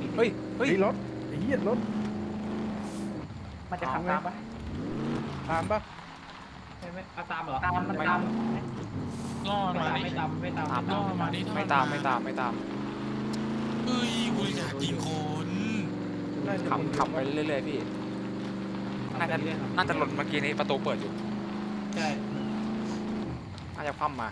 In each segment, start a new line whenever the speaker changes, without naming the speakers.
เฮ้ยเฮ้ย
ไอ้รถไอ้เหี้ยรถ
มันจะขับตามปะ
ตามปะ
ไม่เอาตามเหรอ
ตามมันตาม
ล่อ
ไม่
มา
ตาม
ดิ
ไม่ตามไม่ตาม
ล่อมาดิ
ไม่ตามไม่ตามไม่ตาม
เฮ้ยกูอยากยิงคน
น่าจะ
ขับไปเรื่อยๆพี่น่าจะหล่นเมื่อกี้นี้ประตูเปิดอยู่
ใช่
น่าจะคว่ำมา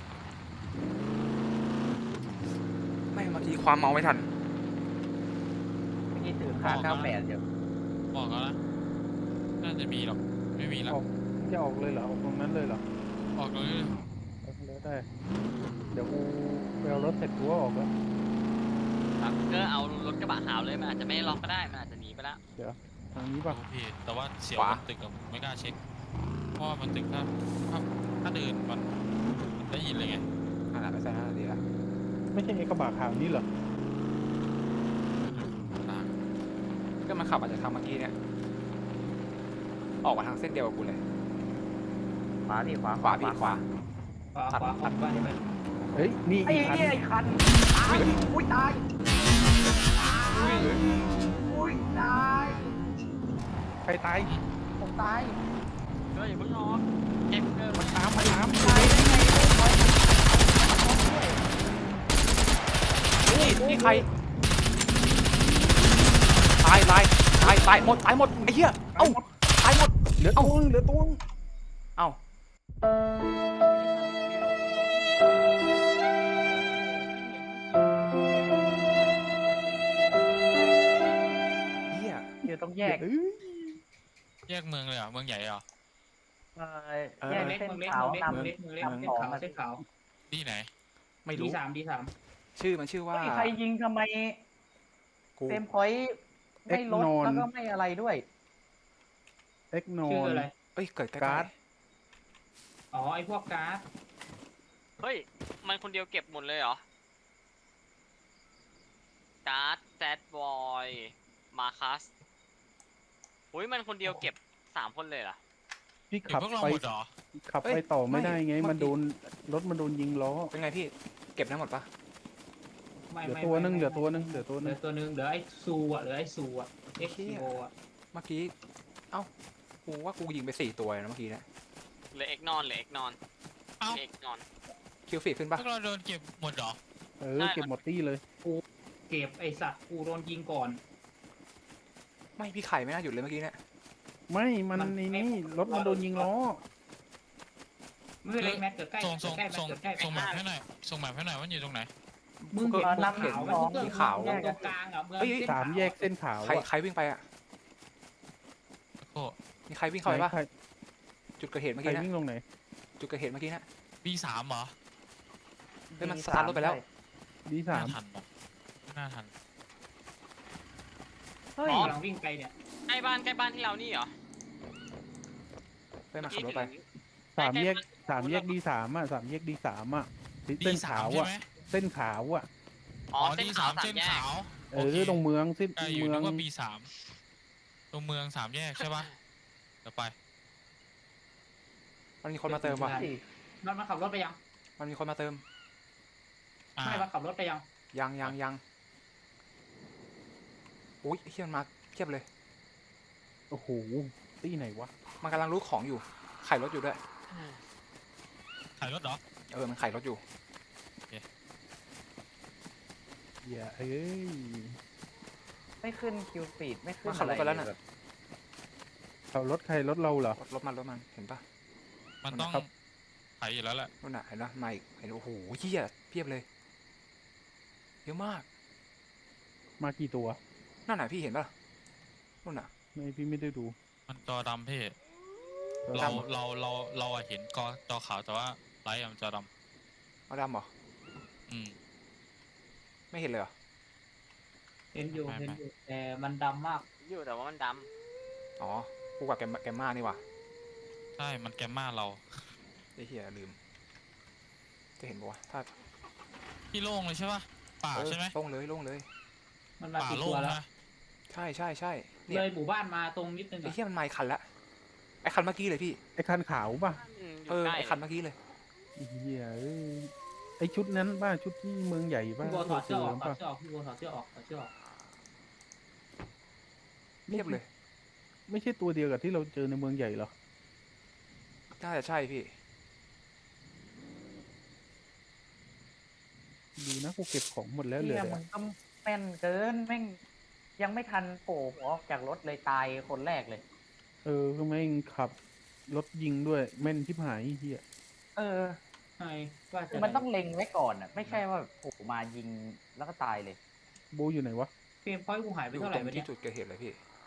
ไม่เมื่อกี้ความเมาไม่ทัน
เมื่อกี้ถือค่า98อยู่
บอกแล้วนะน่าจะมีหรอกไม่มีแล้ว
จะออกเลยเหรอออกตรงนั้นเลยเหรอ
ออกเลย
ออกเลยได้เดี๋ยวกูไปเอารถเสร็จกูก็ออกแล้ว
ครับก็เอารถกระบะขาวเลยมันอาจจะไม่ได้ล็อกก็ได้มันอาจจะหนีไปแล้ว
ทางนี้ปะ
พี่แต่ว่าเสียวบนตึกกับไม่กล้าเช็คเพราะว่ามันตึกถ้าเดินมันได้ยินเลยไง
อันนั้นไม่ใช่น่าดีละ
ไม่ใช่ไอ้กระบะขาวนี่เหรอ
ก็มันขับอาจจะทำเมื่อกี้เนี่ยออกมาทางเส้นเดียวกับกูเลย
ขวาพี่ขวา
ขวาพี่ขวา
ขวาบ้านนี่ไป
เฮ้ยนี่
ไอ้
อีกคัน
เนี่ยไอ้คันตายอุ้ยตายอุ้ยตาย
ใครตาย
ผมตาย
ก็อย่าเพิ่งออกเก็บเกิน
มันตามมันตาม
ตายได้ไงไม่ถอย
นี่ใครตายหมดไอ้เหี้ยเอ้าตายหมด
เหลือตัวนึงเหลือตัวนึง
เอ้าเหี้ย
เดี๋ยวต้องแยก
เอ้ย
แยกเมืองเลยเหรอเมืองใหญ่เหรอ
แยก
เล็ก
เส้น
มึงเล็ก
ขาว
มึงเล็ก
นำ
มึงเล็กมึงเล็ก
นำ
เส้
ข
น
อง
ขาว
มัน
เส้นขาว
ที่ไหน
ไม่
ดี
รู้
สามดีสาม
มันชื่อว่า
เฮ้ยใครยิงทำไม
กู
เต็มพอยต์ไม่ลดแล้วก็ไม่อะไรด้วย
เอ็กโน
ชื่ออะไร
เอ้ยเกิดใกล้
การ์ด
อ๋อไอพวกการ์ด
เฮ้ยมันคนเดียวเก็บหมดเลยเหรอการ์ดแซดบอยมาคัสอุ้ยมันคนเดียวเก็บ3 คนเลยเหรอ
พี่
เดี๋ย
ขั
ว
บ
พวกเรา
ไป
หมดเหรอ
ขับไปต่อไม่ได้ไงมันโดนรถมันโดนยิงล้อ
เป็นไงพี่เก็บได้หมดปะ
ไม่
เหลือ
ไม่
ตัวนึง
ไม่
เหลือตัวนึงเหลือตัว
เห
นึ
ลื
ง
อตัวนึงเหลือไอซูอ่ะเหลือไอซูอ่ะเอ็กซ์โออ่ะ
เมื่อกี้เอ้ากูว่ากูยิงไป4 ตัวนะเมื่อกี้เนี่ย
เหลือเอกนอนเหลือเอกนอน
เอ้า
เอกนอน
คิวฟีดขึ้น
พ
ปะ
วกเราโดนเก็บหมดเหรอ
เก็บหมดตี้เลย
เก็บไอสัตว์กูโดนยิงก่อน
ไม่พี่ไข่ไม่น่าหยุดเลยเมื่อกี้เนี่ย
ไม่มันในนี่รถมันโดนยิงล้อ
ไม่เป็นไรแม็กเกิดใกล้
ส่ง
ใกล้แม็ก
ส่ง
เกิดใกล้
ส่งแมพให้หน่อยส่งแมพให้หน่อยว่าอยู่ตรงไหน
มึงเห็น
นำ
ขาว
สอง
มึง
ขาว
ตรงกลางอ่ะเมือง
สามแยกเส้นขาว
ใครวิ่งไปอ่ะ
โอ้
มีใครวิ่งเข้าไปปะ
ใคร
จุดเกิดเหตุเมื่อ
ใคร
กี้นะ
วิ่งลงไหน
จุดเกิดเหตุเมื่อกี้นะ
B3เหรอ
เฮ้ยมันสตาร์ทรถไปแล้ว
ดี
น่า
สาม
ทันปะไม่น่าทัน
เฮ้ย
กำลังวิ่งไปเนี่ย
ใกล้บ้านที่เรานี่เหรอ
เฮ้ยมันขับรถไป
สามแยกดีสามอ่ะสามแยกดีสามอ่ะเส้น
D3
ขาว
ใช่
อ่ะ
ไหม
เส้นขาวอ่ะ
อ๋อ
อ๋อ
เส้น
D3
ขาวสา
เส้
ม
น
แยก
ขาว
เออตรงเมืองเส้น
ใกล้อยู่
เมือง
นึกว่า B3 ตรงเมือง3 แยกใช่ปะเดี๋ยวไป
มันมีคนมาเติมว่ะ
มันขับรถไปยัง
มันมีคนมาเติม
อ่า
ไม่มันขับรถไปยัง
ยังอุ้ยเฮียมันมาเทียบเลย
โอ้โหตี้ไหนวะ
มันกำลังรู้ของอยู่ไข่รถอยู่ด้วย
ถ่ายรถเหรอ
มันไข่รถอยู่
อย่าเอ้ย
ไม่ขึ้นคิวฟีดไม่ขึ้น
มันขับรถไปแล้วน่ะ
แบบ
เขารถใครรถเราเหรอ
รถมันเห็นปะ
มันต้อง
ครับ
ถ่ายอยู่แล้วแหละ
นู่นน่ะเห็นปะมาอีกเห็นโอ้โหเฮียเพียบเลยเยอะมาก
มากี่ตัว
นั่นน่ะพี่เห็นปะนู่นน่ะ
ไม่พี่ไม่ได้ดู
มันจอดำพี่
ตัว
เรา
ดำ
เราอะเห็นจอขาวแต่ว่าไลท์อะมันจอด
เอาดำเหรอ
ำอืม
ไม่เห็นเลยเหรอ
เห็นอยู่
ไม่
เห็นอยู่แต่มันดำมาก
อยู่แต่ว่ามันด
อ๋อกูกับแกมมานี่ว่ะ
ใช่มันแกมมาเรา
ไอ้เหี้ยลืมจะเห็นปะวะถ้า
พี่โล่งเลยใช่ปะป่าใช่ไหม
โล่งเลย
มันมา
ป่า
กี่
โล่
ตั
ง
วแล้ว
นะ
ใช่เนี่
เลย ยหมู่บ้านมาตรงนิดนึง
ไอ้
อะ
เหี้ยมันมาอีกคันละไอ้คันเมื่อกี้เลยพี่
ไอ้คันขาวป่ะ
ำอยู่ใกล้
ไอ้คันเมื่อกี้เลย
เฮียเอ้ยไอ้ชุดนั้นป่ะชุดที่เมืองใหญ่ป่ะ
พี่บัวถอดเสื้อออกถอ
ป่ะ
ดเสื้อออกพี่บัวถอดเสื้อออกถอดเสื้อออก
เพียบเลย
ไม่ใช่ตัวเดียวกับที่เราเจอในเมืองใหญ่เหรอ
น่าจะใช่พี่
ดีนะกูเก็บของหมดแล้วเหลย
เนี่ยมึงก็แม่นเกินแม่งยังไม่ทันโผล่ออกจากรถเลยตายคนแรกเลย
ก็แม่งขับรถยิงด้วยแม่นชิบหายไอ้เฮีย
เออ
ใช่ว่า
คื
จะ
อมันต้องเล็งไว้ก่อนอ่ะ ไม่ใช่ว่าโผล่มายิงแล้วก็ตายเลย
โบอยู่ไหนวะ
เฟรมพอยต์กูหายไป
อยู่
เท่าไห
ตร
ร่
ง
วะเนี่
ที่
ย
จุดเกิดเหตุเลยพี่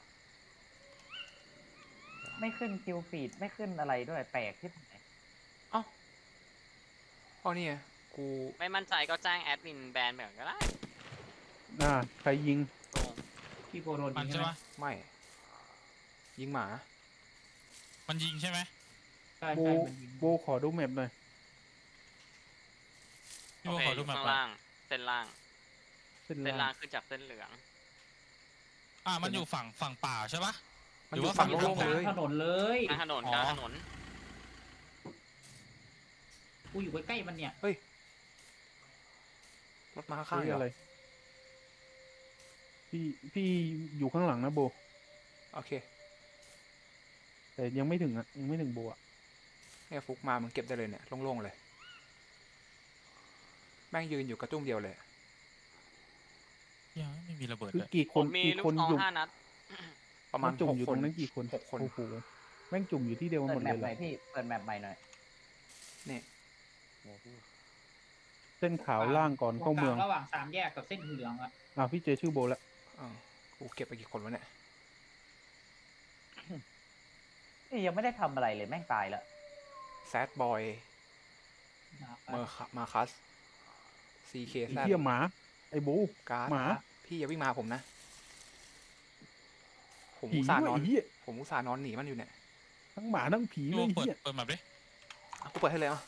ไม่ขึ้นคิวฟีดไม่ขึ้นอะไรด้วยแปลกที่ไหน
เอ้าอ๋อนี่ไงกู
ไม่มั่นใจก็แจ้งแอดมินแบนไปก่อนก็ได้
ใครยิง
ตรง
พี่โกโดน
มัน
ยิง
ใช่
ใช่ไหม
ปะ
ไม่ ยิงหมา
มันยิงใช่ไหม
ใช่
โบ
ใช่มันยิง
โบขอดูแมปหน่อย
พี่
โอ
โบ
เค
ขอ
อ
ดู
ยู่
แมป
ข้าง
ก่อน
ล่าง เส้นล่าง
เส้น
เส้น
ล่า
ล่าง งขึ้นจากเส้นเหลือง
มันอยู่ฝั่งป่าใช่ปะ
มัน
หรื
อ
อยู่ ว่า
ฝั่ง
ฝั่ง
โล่ง
ก
ๆ
ลา
เล
ง
ย
ถนนเลย
กลางถนน
อ๋อ
กลางถนน
กูอยู่ใกล้ๆมันเนี่ย
รถมาข้างๆ
เฮ้ย
เหร
อะ
อ
ไร พี่อยู่ข้างหลังนะโบ
โอเค
แต่ยังไม่ถึงอ่ะยังไม่ถึงโบอ่ะ
เนี่ยฟุกมามึงเก็บได้เลยเนี่ยโล่งๆเลย แม่งยืนอยู่กระจุ้มเดียวเลย
ยังไม่มีระเบิด
คือ
เลย
กี่ค
ผ
น
มมี
กี่
ลู
ค
ก
น
ซอง
อยู่
5 นัด
ประมาณ
จุ่ม
6
อยู่
ค
ตร
น
งนั้นกี่คน
6 คน
โอ้โหแม่งจุ่มอยู่ที่เดียวกัน
เปิ
หม
ด
ด
แม
เลยเหร
ปหน่
อ
อยพี่เปิดแมปใหม่หน่อย
นี่
เส้นขาวล่างก่อนเข้าเมือง
ระหว่าง3 แยกกับเส้นเหลืองอะ
พี่เจอชื่อโบแล้ว
อ่ากูเก็บไปกี่คนวะเนี่ย
นี่ยังไม่ได้ทำอะไรเลยแม่งตายแล้ว
แซดบอยมาคัสซีเค
ไอ้
แซด
เหี้ยหมา ไอ้โบ
การ์ด
หมา
พี่อย่าวิ่งมาหาผมนะ ผม
ผี
อุตส่าห์
ด้วย
นอน
ไอ้เหี้ย
ผมอุตส่าห์นอนหนีมันอยู่เนี่ย
ทั้งหมาทั้งผี
พี่
เล
โบ
ยไอ้
เปิด
เหี้ย
เปิดแมปดิ
อ่ะกูเปิดให้เลยอ่ะ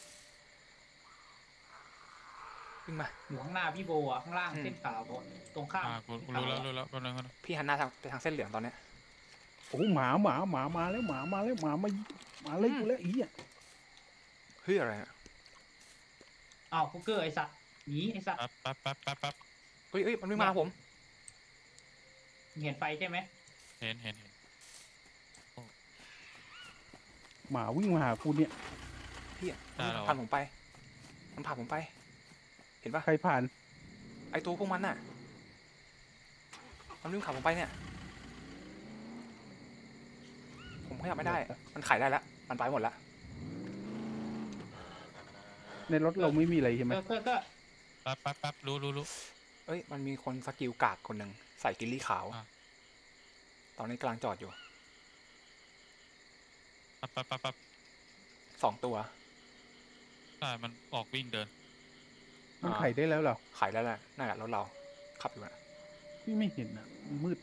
วิ่งมา
อยู่ข้างหน้าพี่โบอะข้างล่าง
อืม
เส้นขาวอะตรงข้าม
กูรู้แล้วแป๊บนึง
พี่หันหน้าไปทางเส้นเหลืองตอนเนี้ย
โอ้หมามาแล้วหมามาแล้วหมามาเลยกูแล้วไอ้เหี้ย
เฮ้ยอะไรอ่ะ
อ้าวฟุกเกอร์ไอสัตว์หนีไอสัตว์
แป๊บ
เฮ้ยมันวิ่งมาหาผม
มึงเห็นไฟใช่ไหม
เห็น
หมาวิ่งมาหากูเนี่ย
พี่อ่ะ
ได้แล้ว
ผ่านผมไป มันผ่านผมไป เห็นปะ
ใครผ่าน
ไอตัวพวกมันน่ะ มันวิ่งผ่านผมไปเนี่ย ผมขยับไม่ได้ มันขายได้แล้ว มันไปหมดละ
ในรถเราไม่มีอะไรใช่ไหม
ก็
แป๊บรู้
เอ้ย มันมีคนสกิลกากคนหนึ่งใส่กิลลี่ขาว
อ่ะ
ตอนนี้กำลังจอดอยู่
แป๊บ
2 ตัว
ใช่มันออกวิ่งเดิน
มันไขได้แล้วเหรอ
ขายได้แล้วนั่นแหละรถเรา ขับอยู่นะ
พี่ไม่เห็นอ่ะมันมืด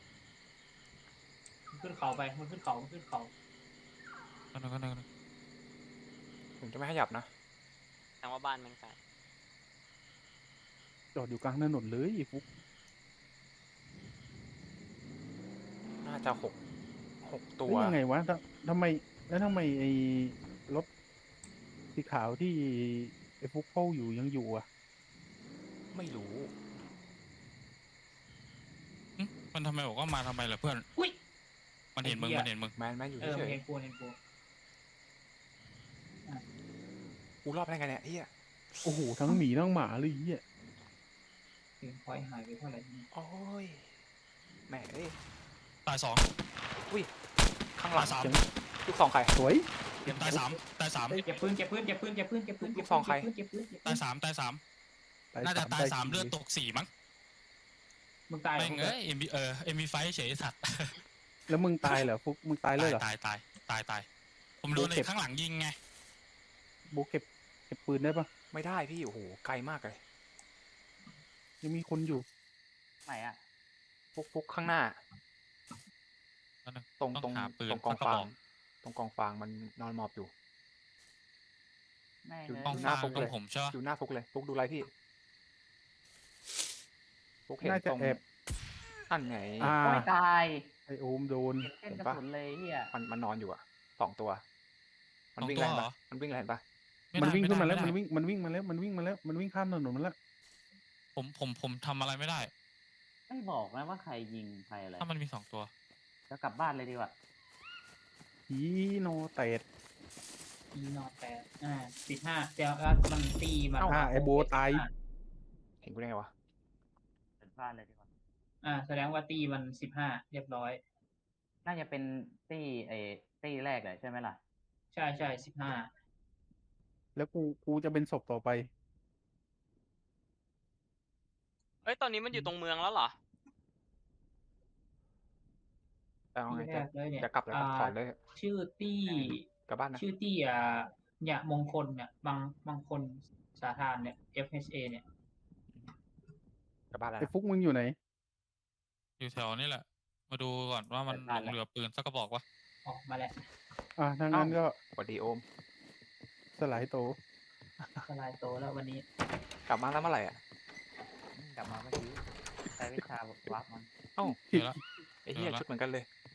มันขึ้นเขาไปมันขึ้นเขา
ก็นึง
ผมจะไม่ขยับนะ
แสดงว่าบ้านแม่งไกล
จอดอยู่กลางถนนเลยไอ้ฟุก
น่าจะ6 ตัว
เฮ้ยยังไงวะทำไมไอ้รถสีขาวที่ไอ้ฟุกเฝ้าอยู่ยังอยู่อ่ะ
ไม่รู้
มันทำไมบอกว่ามาทำไมล่ะเพื่อน
อุ้ย
มันเห็นมึง
ไอ้เหี้ย
แมนอยู่
เออ
เฉ
มัน
ย
เห็นกู
ๆกูรอบได้ไงเนี่ยเฮีย
โอ้โหทั้งหมีทั้งหมาเลยไอ้เหี้ย
เฟรมพอยต์หายไปเท่าไหร่เนี่ย
โอ้ยแหมเอ้ย
ตาย 2
ข้างหลั
ตาง ย 3
ลูกซองใคร
สวย
ตาย 3
เก็บปืน
ลูกซองใคร
ตาย 3 น่าจะตาย 3 เลือดตก 4 มั้ง
มึงตาย
แม่งเอ้ยเอ็มบีไฟเฉยสัตว์
แล้วมึงตายเหรอฟุกมึงตายเลยเหรอ
ตายผมโดน
โอเค
ไอ้ข้างหลังยิงไง
โบเก็บปืนได้ปะ
ไม่ได้พี่ โอ้โห ไกลมากเลย
ยังมีคนอยู่
ไหนอ่ะ
ฟุกข้างหน้า
นั่นน่ะ
ตรง
ต้องหาปืน
ตรงกอง
สักกระ
ฟา
บ
ง
อก
ตรงกองฟางมันนอนหมอบอยู่
แม่ง
อยู่
เลย
กอง
หน้า
ฟาง
ฟุก
ตร
เล
ง
ย
ผมใช่ปะ
อยู่หน้าฟุกเลย ฟุกดูอะไรพี่ ฟุกเห็น
น่าจะ
ตรง
แอบ
นั่นไง
ไม่ตาย
ไอโอมโดน
เห็นเส้นกระสุนเลยเฮีย
มันนอนอยู่อะ2 ตัว มันวิ่ง
2
แร
ตัว
ง
เหร
ปะ
อ
มันวิ่งแรงปะ
มันวิ่งขึ้นมา
ไได้
แล้ว
ไได้
มันวิ่งมาแล้วมันวิ่งข้ามถนนมาแล้ว
ผมทำอะไรไม่ได้
ไม่บอกนะว่าใครยิงใครอะไร
ถ้ามันมี 2 ตัว
จะกลับบ้านเลยดีกว่า
ผีโนเตด
มีนอน15แต่ว่ามันตีมัน
ไอโบตาย
เห็นกูได้ไงวะ
เปิดบ้านเลยดีกว่า
แสดงว่าตีมัน15เรียบร้อย
น่าจะเป็นตี้แรกเลยใช่ไหมล่ะ
ใช่15
แล้วกูจะเป็นศพต่อไป
เอ้ยตอนนี้มันอยู่ตรงเมืองแล้วเหรอ
แต่เอาไง
ที่แรกเลยเนี่ย
จะกลับแล้วก็ถอนเลย
ชื่อตี้
กลับบ้านนะ
ชื่อตี้เนี่ยมงคลเนี่ยบางคนสาธารเนี่ย FHA เนี่ย
กลับบ้านแล้ว
ไอ
นะ
ฟุกมึงอยู่ไหน
อยู่แถวนี้แหละ มาดูก่อนว่ามัน
เปิดบ้าน
หลงเหลือปืนสักกระบอกวะ
ออกมาแล้ว
ถ้างั้นก็
สวัสดีโอม
สลายโต
สลายโตแล้ววันนี้
กลับมาแล้วเมื่อไหร่อ่ะ
กลับมาเมื่อกี้ใช้วิชาวับมัน
เอ้า
เดี๋ยวละ
ไอ้เหี้ย
เออละ
ชุดเหมือนกันเลย